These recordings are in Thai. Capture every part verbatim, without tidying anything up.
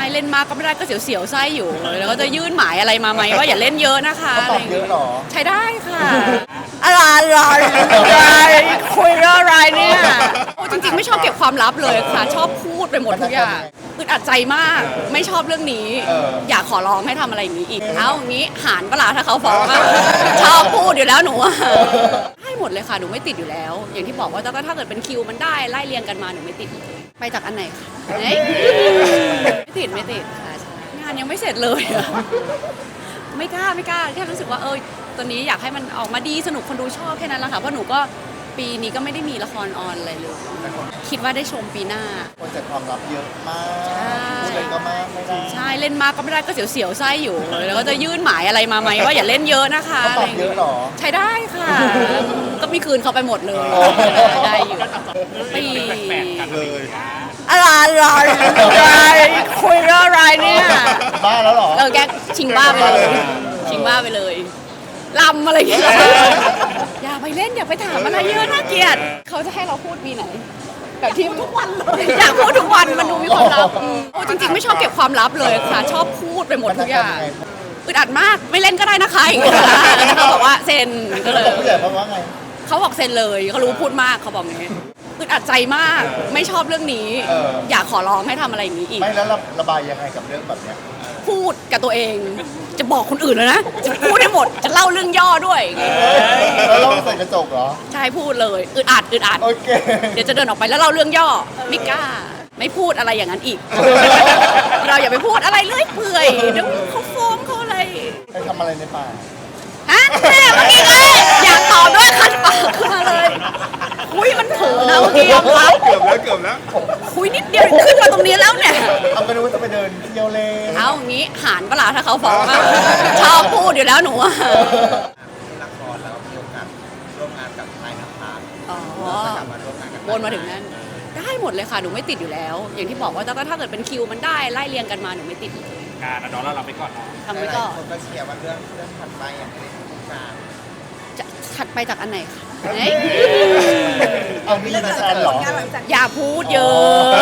เล่นมากก็ไม่ได้ก็เสียวๆไส้อยู่แล้วก็จะยื่นหมายอะไรมาไหมว่าอย่าเล่นเยอะนะคะเขาตอบเยอะเหรอใช้ได้ค่ะอะไรอะไรคุยเรื่องอะไรเนี่ยโอ้จริงๆไม่ชอบเก็บความลับเลยค่ะชอบพูดไปหมดทุกอย่างอึดอัดใจมากไม่ชอบเรื่องนี้อยากขอร้องให้ทำอะไรอย่างนี้อีกเอาอย่างนี้หารเวลาถ้าเขาฟ้องอะชอบพูดอยู่แล้วหนูอะให้หมดเลยค่ะหนูไม่ติดอยู่แล้ว อย่างที่บอกว่าแต่ก็ถ้าเกิดเป็นคิวมันได้ไล่เรียงกันมาหนูไม่ติดไปจากอันไหนคะเฮ้ยไม่ติดไม่ติดค่ะใช่งานยังไม่เสร็จเลยอะไม่กล้าไม่กล้าแค่รู้สึกว่าเออตัวนี้อยากให้มันออกมาดีสนุกคนดูชอบแค่นั้นแหละค่ะเพราะหนูก็ปีนี้ก็ไม่ได้มีละครออนอะไรเลยคิดว่าได้ชมปีหน้าคนจัดความลับเยอะมากใช่พูดเลยก็มากไม่ได้ใช่เล่นมากก็ไม่ได้ก็เสียวๆไส้อยู่แล้วก็จะยื่นหมายอะไรมาไหมว่าอย่าเล่นเยอะนะคะเขาตอบเยอะเหรอใช้ได้ค่ะก็มีคืนเขาไปหมดเลยได้อยู่ปีเลยอะไรอะไรคุยเรื่องอะไรเนี่ยบ้าแล้วเหรอเออแกชิงบ้าไปเลยชิงบ้าไปเลยลำอะไรอย่างเงี้ยอย่าไปเล่นอย่าไปถามอะไรเยอะน่าเกลียดเขาจะให้เราพูดปีไหนแบบที่ทุกวันเลยอยากพูดทุกวันมันดูมีความลับโอ้จริงๆไม่ชอบเก็บความลับเลยค่ะชอบพูดไปหมดทุกอย่างอึดอัดมากไม่เล่นก็ได้นะคะอย่างเงี้ยเขาบอกว่าเซ็นก็เลยผู้ใหญ่เขาว่าไงเขาบอกเซ็นเลยเขารู้พูดมากเขาบอกอย่างนี้อึดอัดใจมากไม่ชอบเรื่องนี้อยากขอร้องให้ทำอะไรอย่างนี้อีกไม่แล้วระบายยังไงกับเรื่องแบบเนี้ยพูดกับตัวเองจะบอกคนอื่นเลยนะจะพูดให้หมดจะเล่าเรื่องย่อด้วยแล้วเราใส่กระจกเหรอใช่พูดเลยอึดอัดอึดอัดโอเคเดี๋ยวจะเดินออกไปแล้วเล่าเรื่องย่อไม่กล้าไม่พูดอะไรอย่างนั้นอีก เราอย่าไปพูดอะไรเรื่อยเปื่อยเดี๋ยวเขาฟ้องเขาอะไรไปทำอะไรในป่าฮะแม่เมื่อกี้เลยอยากตอบด้วยคันปากขึ้นมาเลยคุยมันเถอะนะเมื่อกี้ยอมรับเกือบแล้วเกือบแล้วคุยนิดเดียวขึ้นมาตรงนี้แล้วเนี่ยเอาไปดูว่าจะไปเดินเที่ยวเล่นเอาอย่างนี้หารเวลาถ้าเขาฟ้องอะชอบพูดอยู่แล้วหนูอะละครแล้วมีโอกาสร่วมงานกับนายนภัสอ๋อจะกลับมาร่วมงานกับวนมาถึงนั้นได้หมดเลยค่ะหนูไม่ติดอยู่แล้ว อย่างที่บอกว่าแต่ก็ถ้าเกิดเป็นคิวมันได้ไล่เรียงกันมาหนูไม่ติดงานน้องเราเราไปก่อนเนาะทำไว้ก่อนคนก็เชียร์ว่าเรื่องเรื่องถัดไปอ่ะในทุกการจะถัดไปจากอันไหนคะเฮ้ยเอามีนะแซนเหรออย่าพูดเยอะ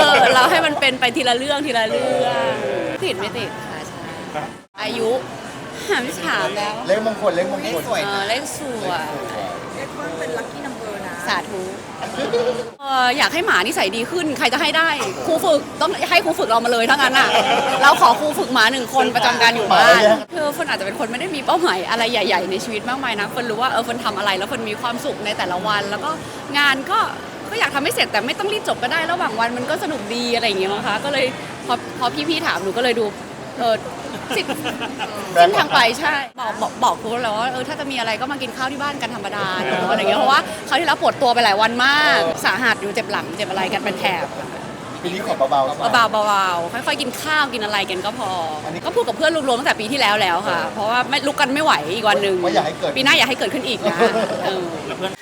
เราให้มันเป็นไปทีละเรื่องทีละเรื่องติดไม่ติดค่ะใช่อายุหาไม่ถามแล้วเลขมงคลเลขมงคลเออเลขสวยเรียกว่าเป็นลัคกี้นัมเบอร์นะสาธุเอออยากให้หมานิสัยดีขึ้นใครจะให้ได้ครูฝึกต้องให้ครูฝึกเรามาเลยทั้งนั้นอ่ะเราขอครูฝึกหมาหนึ่งคนประจำการอยู่บ้านคือเฟิร์นอาจจะเป็นคนไม่ได้มีเป้าหมายอะไรใหญ่ ๆในชีวิตมากมายนะเฟิร์นรู้ว่าเออเฟิร์นทำอะไรแล้วเฟิร์นมีความสุขในแต่ละวัน แล้วก็งานก็ก็อยากทำให้เสร็จแต่ไม่ต้องรีบจบก็ได้ระหว่างวันมันก็สนุกดีอะไรอย่างเงี้ยมั้งคะก็เลยพอพอพี่ๆถามหนูก็เลยดูเออสิเส้นทางไปใช่บอกบอกบอกครูแล้วว่าเออถ้าจะมีอะไรก็มากินข้าวที่บ้านกันธรรมดาเนอะอะไรเงี้ยเพราะว่าเขาวที่แล้วปวดตัวไปหลายวันมากสาหัสอยู่เจ็บหลังเจ็บอะไรกันเป็นแถบปีนี้ขอเบาๆเบาๆเบาๆค่อยๆกินข้าวกินอะไรกันก็พอ ก็พูดกับเพื่อนรวมๆตั้งแต่ปีที่แล้วแล้วค่ะ เพราะว่าไม่ลุกกันไม่ไหวอีกวันหนึ่งว่าอยากให้เกิดปีหน้าอยากให้เกิดขึ้นอีกนะเออแล้วเพื่อน